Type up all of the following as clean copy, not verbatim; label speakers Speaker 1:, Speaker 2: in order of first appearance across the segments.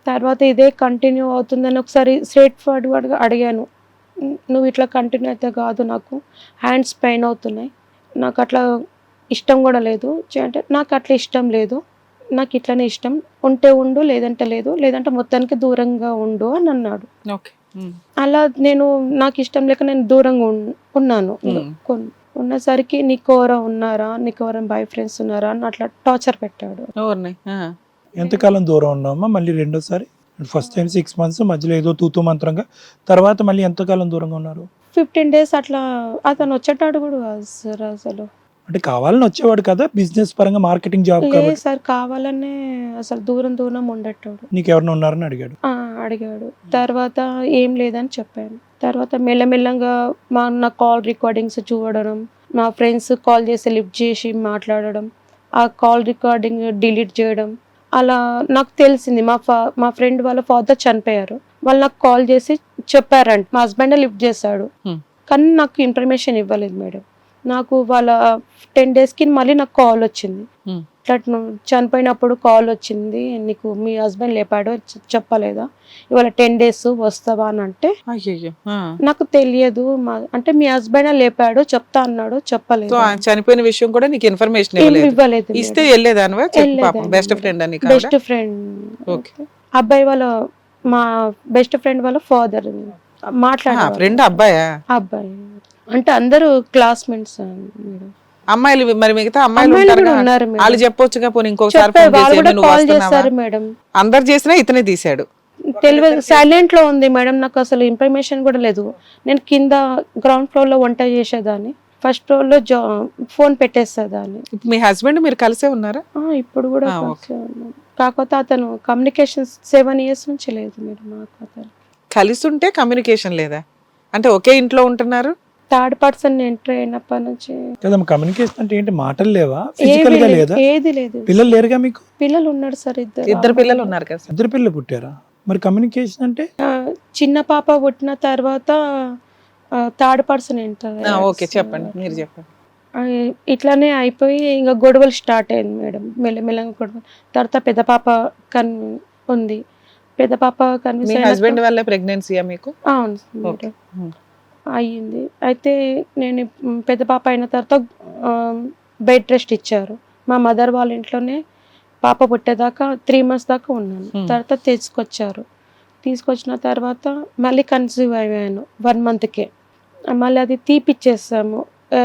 Speaker 1: తర్వాత ఇదే కంటిన్యూ అవుతుందని ఒకసారి స్ట్రేట్ ఫార్వర్డ్గా అడిగాను. నువ్వు ఇట్లా కంటిన్యూ అయితే కాదు, నాకు హ్యాండ్స్ పెయిన్ అవుతున్నాయి, నాకు అట్లా ఇష్టం కూడా లేదు అంటే నాకు అట్లా ఇష్టం లేదు, నాకు ఇట్లనే ఇష్టం, ఉంటే ఉండు లేదంటే లేదు, లేదంటే మొత్తానికి దూరంగా ఉండు అని అన్నాడు.
Speaker 2: ఓకే.
Speaker 1: అలా నేను నాకు ఇష్టం లేక నేను దూరంగా ఉన్నాను. ఉన్నసరికి నీకు ఎవరో ఉన్నారా, నీకు ఎవరైనా బాయ్ ఫ్రెండ్స్ ఉన్నారా అని అట్లా టార్చర్ పెట్టాడు.
Speaker 2: ఎవరిని?
Speaker 3: ఎంతకాలం దూరం ఉన్నామా మళ్ళీ రెండోసారి? ఫస్ట్ టైం 6 months, మధ్యలో ఏదో తూతూ మంత్రంగా, తర్వాత మళ్ళీ ఎంతకాలం దూరంగా ఉన్నారు?
Speaker 1: 15 days అట్లా. అతను వచ్చేటాడు కూడా కాదు సార్ అసలు.
Speaker 3: అంటే కావాలని వచ్చేవాడు కదా, బిజినెస్ పరంగా మార్కెటింగ్ జాబ్
Speaker 1: లేదు
Speaker 3: కాబట్టి?
Speaker 1: సార్, కావాలనే అసలు దూరం దూరం ఉండేటాడు.
Speaker 3: నీకు ఎవరైనా ఉన్నారని అడిగాడు?
Speaker 1: అడిగాడు. తర్వాత ఏం లేదని చెప్పాను. తర్వాత మెల్లమెల్లంగా నా కాల్ రికార్డింగ్స్ చూడడం, మా ఫ్రెండ్స్ కాల్ చేసి లిఫ్ట్ చేసి మాట్లాడడం, ఆ కాల్ రికార్డింగ్ డిలీట్ చేయడం, అలా నాకు తెలిసింది. మా ఫ్రెండ్ వాళ్ళ ఫాదర్ చనిపోయారు, వాళ్ళు నాకు కాల్ చేసి చెప్పారంట. మా హస్బెండ్ లిఫ్ట్ చేశాడు, కానీ నాకు ఇన్ఫర్మేషన్ ఇవ్వలేదు మేడం. నాకు వాళ్ళ 10 daysకి మళ్ళీ నాకు కాల్ వచ్చింది. ఇట్లా చనిపోయినప్పుడు కాల్ వచ్చింది, నీకు మీ హస్బెండ్ లేపాడు చెప్పలేదా, ఇవాళ 10 days వస్తావా అని అంటే నాకు తెలియదు, అంటే మీ హస్బెండ్ లేపాడు చెప్తా అన్నాడు, చెప్పలేదు.
Speaker 2: చనిపోయిన విషయం కూడా నీకు ఇన్ఫర్మేషన్
Speaker 1: ఇవ్వలేదు.
Speaker 2: ఇస్తే వెళ్ళేదానివా? బెస్ట్ ఫ్రెండ్ అని?
Speaker 1: Best friend. అబ్బాయి వాళ్ళ, మా బెస్ట్ ఫ్రెండ్ వాళ్ళ ఫాదర్ మాట్లాడారు.
Speaker 2: ఫ్రెండ్ అబ్బాయా?
Speaker 1: అబ్బాయి అంటే అందరూ క్లాస్మేట్స్ మేడం.
Speaker 2: అమ్మాయిలు మరి మిగతా అమ్మాయిలు ఉన్నారు, వాళ్ళు చెప్పొచ్చుగా, పోనీ ఇంకొకసారి
Speaker 1: కాల్ చేస్తారు మేడం.
Speaker 2: అందరు చేసినా ఇతనే తీసాడు.
Speaker 1: తెలియదు, సైలెంట్ లో ఉంది మేడం, నాకు అసలు ఇన్ఫర్మేషన్ కూడా లేదు. నేను కింద గ్రౌండ్ ఫ్లోర్ లో వంట చేసేదాన్ని, ఫస్ట్ ఫ్లోర్ లో ఫోన్ పెట్టేసేదాన్ని.
Speaker 2: మీ హస్బెండ్ మీరు కలిసే ఉన్నారా?
Speaker 1: ఇప్పుడు కూడా కలిసే ఉన్నాం. కాకపోతే అతను కమ్యూనికేషన్ 7 years నుంచి లేదు మేడం. నాకు అతను
Speaker 2: కలిసి ఉంటే కమ్యూనికేషన్ లేదా అంటే ఒకే ఇంట్లో ఉంటున్నారు?
Speaker 1: థర్డ్ పర్సన్ ఎంటర్ అయినప్పటి నుంచి
Speaker 3: కమ్యూనికేషన్ అంటే ఏంటి? మాటలు లేవా? ఫిజికల్ గా లేదా?
Speaker 1: ఏది లేదు.
Speaker 3: పిల్లలు లేరుగా మీకు?
Speaker 1: పిల్లలు ఉన్నారు సార్,
Speaker 2: ఇద్దరు పిల్లలు ఉన్నారు కదా.
Speaker 3: ఇద్దరు పిల్లలు పుట్టారా? మరి కమ్యూనికేషన్ అంటే?
Speaker 1: చిన్న పాప పుట్టిన తర్వాత థర్డ్ పర్సన్ ఎంటర్.
Speaker 2: ఓకే, చెప్పండి, మీరు చెప్పండి.
Speaker 1: ఇట్లానే అయిపోయి ఇంకా గొడవలు స్టార్ట్ అయింది మేడం, మెల్లమెల్లగా గొడవలు. తర్వాత పెద్ద పాప ఉంది, పెద్ద పాప
Speaker 2: హస్బెండ్ వల్ల ప్రెగ్నెన్సీయా మీకు?
Speaker 1: అవును మేడం, అయ్యింది. అయితే నేను పెద్ద పాప అయిన తర్వాత బెడ్ రెస్ట్ ఇచ్చారు. మా మదర్ వాళ్ళ ఇంట్లోనే పాప పుట్టేదాకా 3 months దాకా ఉన్నాను. తర్వాత తీసుకొచ్చిన తర్వాత మళ్ళీ కన్సీవ్ అయ్యాను 1 monthకే. మళ్ళీ అది తీపిచ్చేసాము,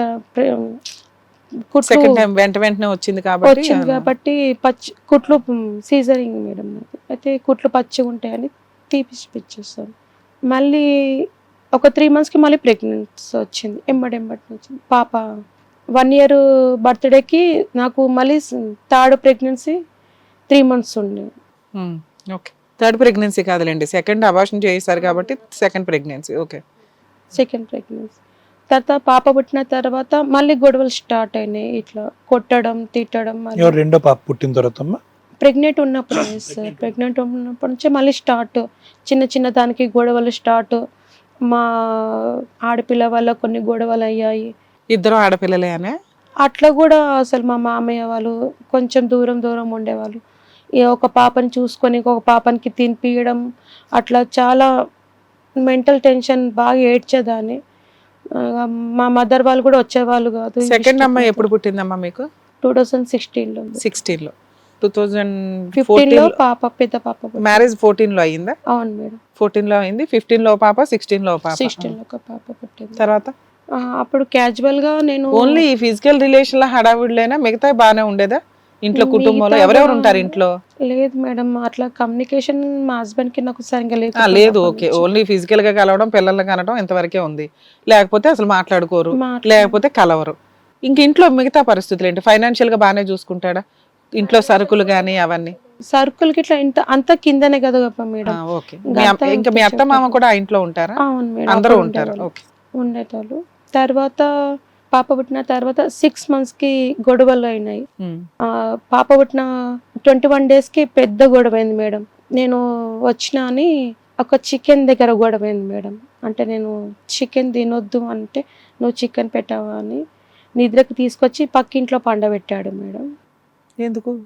Speaker 2: వెంటనే వచ్చింది
Speaker 1: కాబట్టి కుట్లు సీజరింగ్ మేడం. అయితే కుట్లు పచ్చిగా ఉంటాయని తీపిచ్చేస్తాను. మళ్ళీ ఒక 3 monthsకి మళ్ళీ ప్రెగ్నెన్సీ వచ్చింది, ఎంబడి వచ్చింది పాప. 1 year బర్త్డేకి నాకు మళ్ళీ థర్డ్ ప్రెగ్నెన్సీ 3 months ఉండే.
Speaker 2: ఓకే, థర్డ్ ప్రెగ్నెన్సీ కాదులేండి, సెకండ్ అబార్షన్ చేశారు కాబట్టి second pregnancy. Okay,
Speaker 1: second pregnancy. తర్వాత పాప పుట్టిన తర్వాత మళ్ళీ గొడవలు స్టార్ట్ అయినాయి, ఇట్లా కొట్టడం తిట్టడం.
Speaker 3: రెండో పాప పుట్టిన తర్వాత
Speaker 1: ప్రెగ్నెంట్ ఉన్నప్పుడు సార్, ప్రెగ్నెంట్ ఉన్నప్పటి నుంచే మళ్ళీ స్టార్ట్, చిన్న దానికి గొడవలు స్టార్ట్. మా ఆడపిల్ల వల్ల కొన్ని గొడవలు అయ్యాయి.
Speaker 2: ఇద్దరు ఆడపిల్లలే అనే?
Speaker 1: అట్లా కూడా అసలు మా మామయ్య వాళ్ళు కొంచెం దూరం ఉండేవాళ్ళు. ఒక పాపని చూసుకొని ఇంకొక పాపనికి తినిపియడం, అట్లా చాలా మెంటల్ టెన్షన్, బాగా ఏడ్చేదాన్ని. మా మదర్ వాళ్ళు కూడా వచ్చేవాళ్ళు కాదు.
Speaker 2: సెకండ్ అమ్మాయి ఎప్పుడు పుట్టిందమ్మా మీకు?
Speaker 1: 2016లో.
Speaker 2: 16లో
Speaker 1: 2015లో పాప, పెద్ద పాప.
Speaker 2: మ్యారేజ్ 14లో అయ్యిందా?
Speaker 1: అవును మేడం,
Speaker 2: 14లో అయింది. 15లో పాప, 16లో పాప.
Speaker 1: 16లో ఒక పాప పుట్టింది.
Speaker 2: తర్వాత
Speaker 1: అప్పుడు క్యాజువల్ గా నేను
Speaker 2: ఓన్లీ ఈ ఫిజికల్ రిలేషన్ లో హడావిడిలేనా, మిగతా బాగానే ఉండేదా ఇంట్లో? కుటుంబంలో ఎవరెవరు ఉంటారు ఇంట్లో?
Speaker 1: లేదు మేడం, అట్లా కమ్యూనికేషన్ మా హస్బెండ్ కి నాకు సరిగ్గా
Speaker 2: లేదు. ఓకే, ఓన్లీ ఫిజికల్ గా కలవడం, పిల్లల్ని కనడం ఇంతవరకే ఉంది. లేకపోతే అసలు మాట్లాడుకోరు, లేకపోతే కలవరు. ఇంక ఇంట్లో మిగతా పరిస్థితులు ఏంటి? ఫైనాన్షియల్ గా బాగానే చూసుకుంటాడా? ఇంట్లో సరుకులు గానీ అవన్నీ?
Speaker 1: సరుకులకి ఇట్లా అంత కిందనే కదా మేడం.
Speaker 2: ఓకే, ఇంకా మీ అత్త మామ కూడా ఆ ఇంట్లో ఉంటారా?
Speaker 1: అవును మేడం,
Speaker 2: అందరూ ఉంటారు. ఓకే,
Speaker 1: ఉండేటోళ్ళు. తర్వాత పాప పుట్టిన తర్వాత 6 monthsకి గొడవలు అయినాయి. పాప పుట్టిన 21 daysకి పెద్ద గొడవ అయింది మేడం. నేను వచ్చినా అని ఒక చికెన్ దగ్గర గొడవ అయింది మేడం. అంటే నేను చికెన్ తినొద్దు అంటే నువ్వు చికెన్ పెట్టావా అని నిద్రకు తీసుకొచ్చి పక్కింట్లో పండబెట్టాడు మేడం.
Speaker 2: ఎందుకు?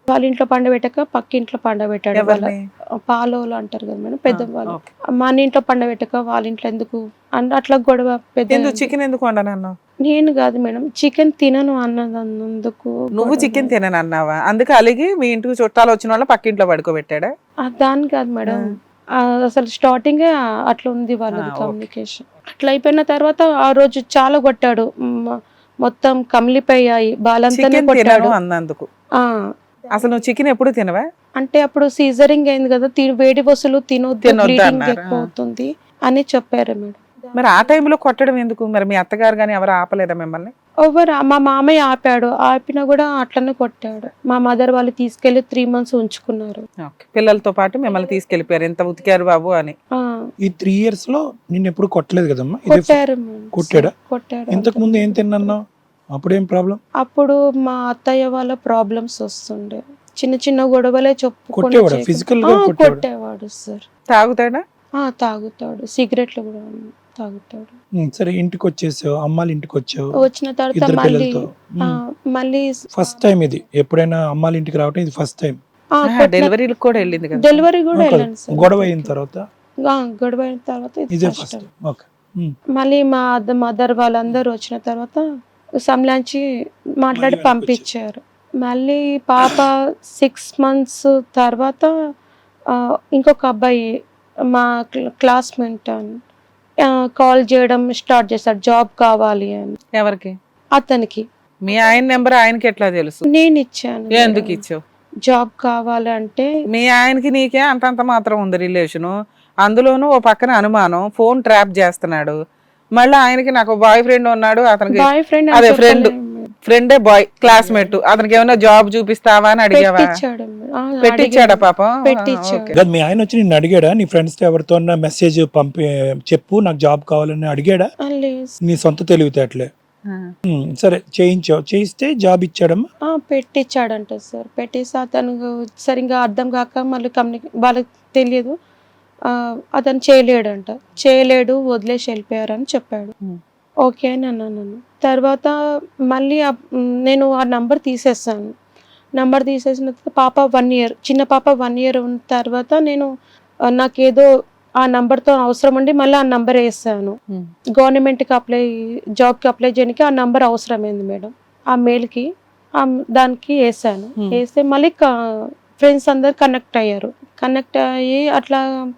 Speaker 1: వాళ్ళ ఇంట్లో పండబెట్టక పక్కింట్లో పండబెట్టాడు. వాళ్ళ
Speaker 2: ఎవరిని?
Speaker 1: పాలోలు అంటారు కదా మేడం, పెద్దవాళ్ళు.
Speaker 2: ఓకే.
Speaker 1: మన ఇంట్లో పండబెట్టక వాళ్ళ ఇంట్లో ఎందుకు అంటే అట్లా గొడవ పెద్ద.
Speaker 2: ఎందుకు చికెన్ ఎందుకు వండనన్నావు?
Speaker 1: నేను కాదు మేడం, చికెన్ తినను అన్నందుకు.
Speaker 2: నువ్వు చికెన్ తినను అన్నావా? అందుకే అలిగి మీ ఇంటికి చుట్టాలు వచ్చిన వాళ్ళ పక్కింట్లో పడుకోబెట్టాడా?
Speaker 1: దాని కాదు మేడం, అసలు స్టార్టింగ్ అట్లా ఉంది వాళ్ళది కమ్యూనికేషన్. అట్లా అయిపోయిన తర్వాత ఆ రోజు చాలా కొట్టాడు, మొత్తం కమిలిపోయాయి, బాలంతానే కొట్టాడు
Speaker 2: అన్నందుకు.
Speaker 1: ఆ
Speaker 2: అసలు నువ్వు చికెన్ ఎప్పుడు తినవా?
Speaker 1: అంటే అప్పుడు సీజరింగ్ అయింది కదా, వేడి వస్తువులు తినొద్దు, బ్లీడింగ్ ఎక్కువ అవుతుంది అని చెప్పారు మేడం.
Speaker 2: మరి ఆ టైంలో కొట్టడం ఎందుకు? మరి మీ అత్తగారు కానీ ఎవరు ఆపలేదా మిమ్మల్ని?
Speaker 1: మా మామయ్య ఆపాడు, ఆపినా కూడా అట్లనే కొట్టాడు. మా మదర్ వాళ్ళు తీసుకెళ్లి 3 months ఉంచుకున్నారు.
Speaker 2: పిల్లలతో పాటు మిమ్మల్ని తీసుకెళ్లిపోయారు, ఎంత ఉతికారు బాబు అని.
Speaker 3: ఈ 3 years లో నేను ఎప్పుడు కొట్టలేదు కదమ్మా?
Speaker 1: కొట్టారు.
Speaker 3: కొట్టాడు. ఇంతకు ముందు ఏం తిన్నావు? అప్పుడేం ప్రాబ్లం?
Speaker 1: అప్పుడు మా అత్తయ్య వాళ్ళ ప్రాబ్లమ్స్ వస్తుండే, చిన్న చిన్న గొడవలే
Speaker 3: కొట్టేవాడు, ఫిజికల్ గా
Speaker 1: కొట్టేవాడు సార్.
Speaker 2: తాగుతాడా?
Speaker 1: తాగుతాడు, సిగరెట్లు కూడా తాగుతాడు.
Speaker 3: సరే, ఇంటికి వచ్చేసావు, అమ్మాళ్ళ ఇంటికి వచ్చావు,
Speaker 1: వచ్చిన తర్వాత మళ్ళీ
Speaker 3: ఫస్ట్ టైం ఇది ఎప్పుడైనా అమ్మాళ్ళ ఇంటికి రావటం ఇది ఫస్ట్ టైం?
Speaker 2: డెలివరీకి కూడా వెళ్ళింది కదా?
Speaker 1: డెలివరీ కూడా వెళ్ళాను సార్.
Speaker 3: గొడవ అయిన తర్వాత
Speaker 1: ఇదే ఫస్ట్. మళ్ళీ మా మదర్ వాళ్ళందరూ వచ్చిన తర్వాత సంలాంచి మాట్లాడి పంపించారు. మళ్ళీ పాప 6 months తర్వాత ఇంకొక అబ్బాయి మా క్లాస్మేట్ అని కాల్ చేయడం స్టార్ట్ చేశాడు, జాబ్ కావాలి అని.
Speaker 2: ఎవరికి?
Speaker 1: అతనికి.
Speaker 2: మీ ఆయన నెంబర్ ఆయనకి ఎట్లా తెలుసు?
Speaker 1: నేను ఇచ్చాను.
Speaker 2: ఎందుకు ఇచ్చావు?
Speaker 1: జాబ్ కావాలంటే.
Speaker 2: మీ ఆయనకి నీకే అంతంత మాత్రం ఉంది రిలేషను, అందులోనూ ఓ పక్కన అనుమానం, ఫోన్ ట్రాప్ చేస్తున్నాడు. మళ్ళీ ఆయనకి నాకు బాయ్ ఫ్రెండ్ ఉన్నాడు, అతనికి
Speaker 1: బాయ్ ఫ్రెండ్
Speaker 2: అదే ఫ్రెండే బాయ్ క్లాస్మేట్, అతనికి ఏమైనా జాబ్ చూపిస్తావా అని అడిగావా? పెట్టించాడా పాపం?
Speaker 1: పెట్టించాడు.
Speaker 3: మీ ఆయన వచ్చి నిన్ను అడిగాడా? నీ ఫ్రెండ్స్ తో ఎవరితో మెసేజ్ పంపి చెప్పు నాకు జాబ్ కావాలని అడిగాడా? నీ సొంత తెలివితేటలే. సరే, చేయిస్తే జాబ్ ఇచ్చాడమ్మా?
Speaker 1: పెట్టించాడంట సార్. పెట్టేసి అతను సరిగ్గా అర్థం కాక మళ్ళీ వాళ్ళకి తెలియదు, అతను చేయలేడు, వదిలేసి వెళ్ళిపోయారని చెప్పాడు. ఓకే అని అన్నాను. తర్వాత మళ్ళీ నేను ఆ నంబర్ తీసేసాను. నంబర్ తీసేసిన తర్వాత పాప 1 year, చిన్న పాప 1 year ఉన్న తర్వాత నేను నాకేదో ఆ నంబర్తో అవసరం ఉండి మళ్ళీ ఆ నంబర్ వేసాను. గవర్నమెంట్కి జాబ్కి అప్లై చేయడానికి ఆ నంబర్ అవసరమైంది మేడం. ఆ మెయిల్కి దానికి వేసాను. వేస్తే మళ్ళీ ఫ్రెండ్స్ అందరు కనెక్ట్ అయ్యారు. కనెక్ట్ అయ్యి అట్లా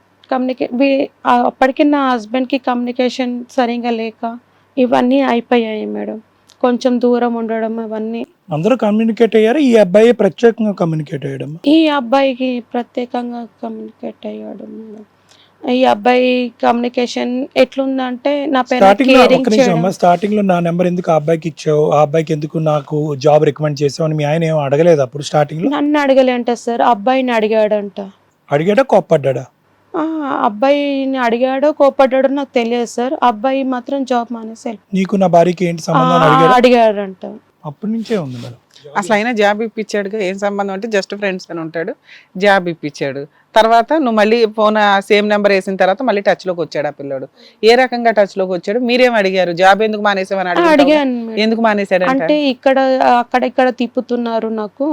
Speaker 1: అప్పటికి నా హస్బెండ్కి కమ్యూనికేషన్ సరిగా లేక ఇవన్నీ అయిపోయాయి మేడం. కొంచెం దూరం ఉండడం అవన్నీ.
Speaker 3: అందరూ కమ్యూనికేట్ అయ్యారు, ఈ అబ్బాయి ప్రత్యేకంగా కమ్యూనికేట్ అయ్యాడు?
Speaker 1: ఈ అబ్బాయికి ప్రత్యేకంగా కమ్యూనికేట్ అయ్యాడు మేడం. ఈ అబ్బాయి కమ్యూనికేషన్ ఎట్లుందంటే నా పేరు
Speaker 3: స్టార్టింగ్ లో నా నెంబర్ ఎందుకు ఆ అబ్బాయికి ఇచ్చావు, ఆ అబ్బాయికి ఎందుకు నాకు జాబ్ రికమెండ్ చేసావు అని మీ ఆయన ఏం అడగలేదు అప్పుడు స్టార్టింగ్ లో?
Speaker 1: నన్ను అడగలేంట సార్, అబ్బాయిని అడిగాడంట.
Speaker 3: అడిగాడా కోప్పడ్డా?
Speaker 1: అబ్బాయిని అడిగాడో కోపడ్డాడో నాకు తెలియదు సార్. అబ్బాయి మాత్రం జాబ్ మానేసి
Speaker 3: నీకు నా భార్యకి ఏంటి సంబంధం
Speaker 1: అడిగాడంట.
Speaker 3: అప్పటి నుంచే ఉంది మేడం.
Speaker 2: అసలు అయినా జాబ్ ఇప్పించాడు, ఏం సంబంధం అంటే జస్ట్ ఫ్రెండ్స్ అని ఉంటాడు, జాబ్ ఇప్పించాడు. తర్వాత నువ్వు మళ్ళీ ఫోన్ సేమ్ నెంబర్ వేసిన తర్వాత మళ్ళీ టచ్ లోకి వచ్చాడు ఆ పిల్లడు. ఏ రకంగా టచ్ లోకి వచ్చాడు? మీరేం అడిగారు? జాబ్ ఎందుకు మానేసావని
Speaker 1: అడిగాను.
Speaker 2: ఎందుకు మానేశాడు
Speaker 1: అంటే అక్కడ తిప్పుతున్నారు, నాకు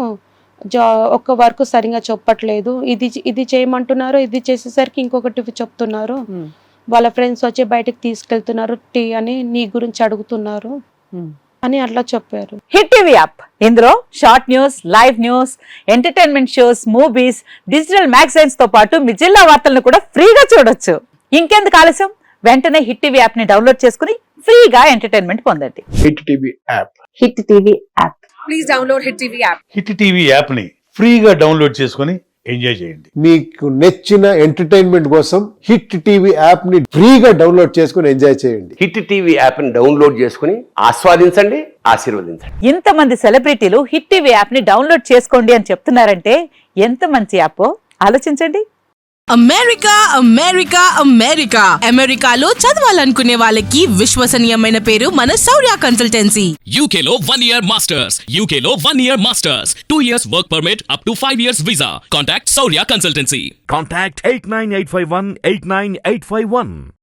Speaker 1: ఒక్క వర్క్ సరిగా చెప్పట్లేదు, ఇది చేయమంటున్నారు, ఇది చేసేసరికి ఇంకొకటి చెప్తున్నారు, వాళ్ళ ఫ్రెండ్స్ వచ్చి బయటకు తీసుకెళ్తున్నారు, టీ అని నీ గురించి అడుగుతున్నారు అని అట్లా చెప్పారు.
Speaker 4: హిట్ టీవీ యాప్, ఇందులో short news, live news, entertainment shows, movies, digital magazines తో పాటు మీ జిల్లా వార్తలను కూడా ఫ్రీగా చూడొచ్చు. ఇంకెందుకు ఆలస్యం, వెంటనే హిట్ టీవీ యాప్ ని డౌన్లోడ్ చేసుకుని ఫ్రీగా ఎంటర్టైన్మెంట్ పొందండి.
Speaker 5: Hit TV app.
Speaker 4: Hit TV app.
Speaker 6: Please download hit TV app.
Speaker 5: Hit TV app ని ఫ్రీగా డౌన్లోడ్ చేసుకుని ఎంజాయ్ చేయండి.
Speaker 7: మీకు నచ్చిన ఎంటర్టైన్మెంట్ కోసం హిట్ టీవీ యాప్ ని ఫ్రీగా డౌన్లోడ్ చేసుకుని ఎంజాయ్ చేయండి.
Speaker 8: హిట్ టీవీ యాప్ ని డౌన్లోడ్ చేసుకుని ఆస్వాదించండి, ఆశీర్వదించండి.
Speaker 4: ఇంతమంది సెలబ్రిటీలు హిట్ టీవీ యాప్ ని డౌన్లోడ్ చేసుకోండి అని చెప్తున్నారంటే ఎంత మంచి యాప్ ఆలోచించండి.
Speaker 6: అమెరికా అమెరికా అమెరికా అమెరికాలో చదవాలనుకునే వాళ్ళకి విశ్వసనీయమైన పేరు మన శౌర్య కన్సల్టెన్సీ.
Speaker 9: UK లో 1 year masters, UK లో 1 year masters, 2 years work permit up to 5 years visa. Contact Saurya Consultancy.
Speaker 10: Contact 89851 89851.